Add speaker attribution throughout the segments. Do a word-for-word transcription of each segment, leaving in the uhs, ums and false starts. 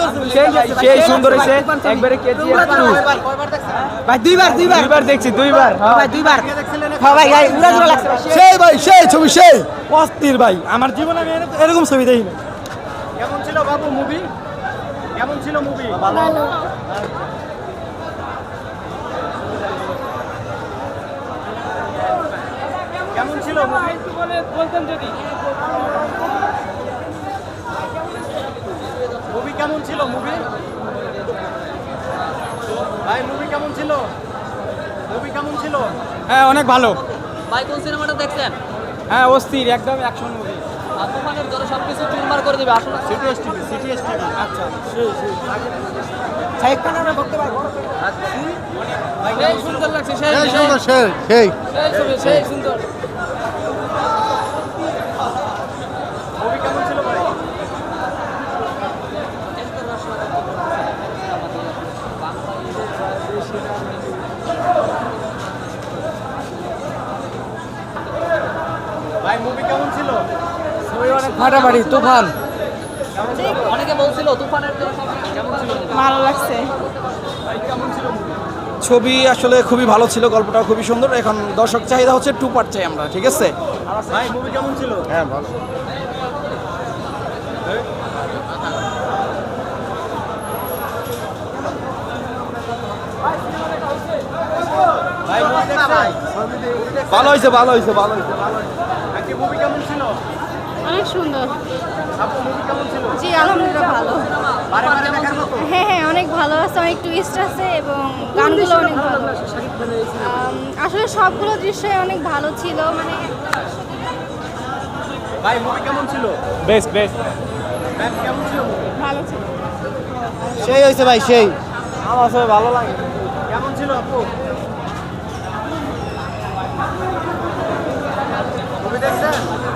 Speaker 1: সেই সুন্দর হয়েছে একবারে কেজিএফ টু
Speaker 2: ভাই দুইবার দুইবার
Speaker 1: দুইবার দেখছি দুইবার
Speaker 2: ভাই দুইবার হ্যাঁ ভাই ভাই উড়া জোড়া লাগছে
Speaker 3: সেই ভাই সেই ছবি সেই অস্থির ভাই আমার জীবনে আমি এরকম ছবি দেখিনি।
Speaker 4: কেমন ছিল বাবু মুভি? কেমন ছিল মুভি?
Speaker 5: ভালো।
Speaker 4: কেমন ছিল মুভি?
Speaker 1: বলতেন যদি
Speaker 4: মুভি কেমন ছিল মুভি? ভাই মুভি কেমন ছিল? মুভি কেমন ছিল?
Speaker 1: হ্যাঁ অনেক ভালো।
Speaker 6: ভাই কোন সিনেমাটা দেখছেন?
Speaker 1: হ্যাঁ অস্থির একদম অ্যাকশন মুভি।
Speaker 6: আর তুফানের জন্য সবকিছু চুরমার করে দিবে আসলে।
Speaker 4: সিটিএস টিভি সিটিএস টিভি
Speaker 1: আচ্ছা
Speaker 2: সাহেব খানের ভক্ত ভাই
Speaker 6: সেই সুন্দর লাগছে সেই
Speaker 3: সেই
Speaker 6: সেই
Speaker 3: সুন্দর সেই সেই
Speaker 6: সেই ছবি, সেই সুন্দর।
Speaker 4: মুভি কেমন ছিল ভাই? ভাই মুভি কেমন ছিল?
Speaker 1: ফাটাফাটি তুফান।
Speaker 6: অনেকে বলছিল তুফানের জন্য সবকিছু কেমন ছিল?
Speaker 5: ভালো লাগছে।
Speaker 4: ভাই কেমন ছিল মুভি?
Speaker 3: ছবি আসলে খুবই ভালো ছিল, গল্পটা খুবই সুন্দর। এখন দর্শক চাহিদা হচ্ছে টু পার্ট চাই আমরা, ঠিক আছে?
Speaker 4: ভাই মুভি কেমন ছিল?
Speaker 3: হ্যাঁ ভালো।
Speaker 4: ভাই মুভি দেখছেন?
Speaker 3: ভালো হয়েছে ভালো হয়েছে ভালো হয়েছে
Speaker 4: আজকে মুভি কেমন ছিল?
Speaker 5: অনেক সুন্দর।
Speaker 4: আপু মুভি কেমন ছিল?
Speaker 5: জি আলহামদুলিল্লাহ ভালো।
Speaker 4: বারে বারে দেখার মতো?
Speaker 5: হ্যাঁ হ্যাঁ অনেক ভালো আছে, অনেক টুইস্ট আছে এবং গানগুলো অনেক ভালো। আম, আসলে সবগুলো দৃশ্যই অনেক ভালো ছিল, মানে
Speaker 4: ভাই মুভি কেমন ছিল?
Speaker 1: Best best.
Speaker 4: ম্যাম কেমন ছিল movie?
Speaker 5: ভালো ছিল।
Speaker 3: সেই হয়েছে ভাই সেই।
Speaker 1: আমার সবাই ভালো লাগে।
Speaker 4: কেমন ছিল আপু? মুভি দেখছেন?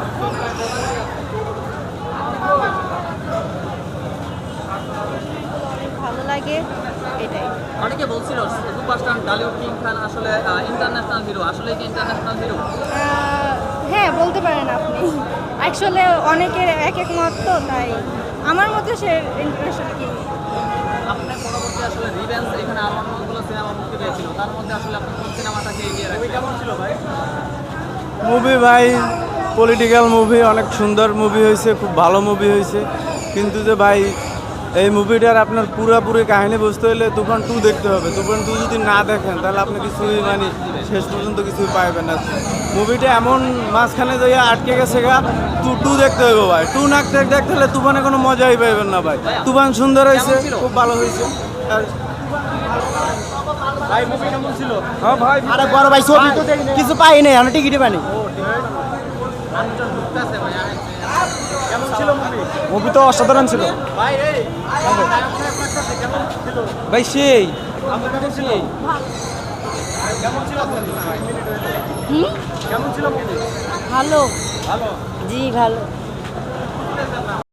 Speaker 5: অনেক ভালো লাগে এটাই।
Speaker 6: অনেকে বলছিল সুপারস্টার ডালিউড কিং খান আসলে ইন্টারন্যাশনাল হিরো, আসলে কি ইন্টারন্যাশনাল হিরো?
Speaker 5: আহ, হ্যাঁ বলতে পারেন আপনি। অ্যাকচুয়ালি অনেকের এক এক মত, তো তাই আমার মতে সে ইন্টারন্যাশনাল কি।
Speaker 6: আপনার পরবর্তী আসলে রিভেঞ্জ এখানে আর অনেকগুলো সিনেমা মুক্তি পেয়েছিল, তার মধ্যে আসলে আপনি কোন সিনেমাটাকে এগিয়ে
Speaker 4: মুভি
Speaker 6: রাখবেন?
Speaker 4: কেমন ছিল ভাই?
Speaker 7: মুভি ভাই পলিটিক্যাল মুভি, অনেক সুন্দর মুভি হয়েছে, খুব ভালো মুভি হয়েছে। কিন্তু যে ভাই এই মুভিটার আপনার পুরোপুরি কাহিনী বুঝতে হলে তুফান টু দেখতে হবে। তুফান টু যদি না দেখেন তাহলে আপনি কিছুই মানে শেষ পর্যন্ত কিছুই পাইবেন না। মুভিটা এমন মাঝখানে যাইয়া আটকে গেছে গা, টু টু দেখতে হবে ভাই। টু না দেখতে হলে তুফানে কোনো মজাই পাইবেন না ভাই। তুফান সুন্দর হয়েছে, খুব ভালো হয়েছে। আর
Speaker 4: ভাই মুভি কেমন ছিল?
Speaker 1: হ্যাঁ ভাই
Speaker 2: আরে বড় ভাই ছবি তো দেখি কিছু পাই নাই, আমরা টিকিটই পাইনি।
Speaker 6: মানুষজন ঢুকতেছে ভাই।
Speaker 4: কেমন ছিল মুভি?
Speaker 1: মুভি তো অসাধারণ ছিল
Speaker 4: ভাই এই নায়ক নায়ক লাগতেছে কেমন ছিল?
Speaker 1: ভাই। সেই
Speaker 4: আপু কেমন ছিল? কেমন ছিল আপনার?
Speaker 5: হুম
Speaker 4: কেমন ছিল মুভি?
Speaker 5: ভালো।
Speaker 4: ভালো।
Speaker 5: জি ভালো।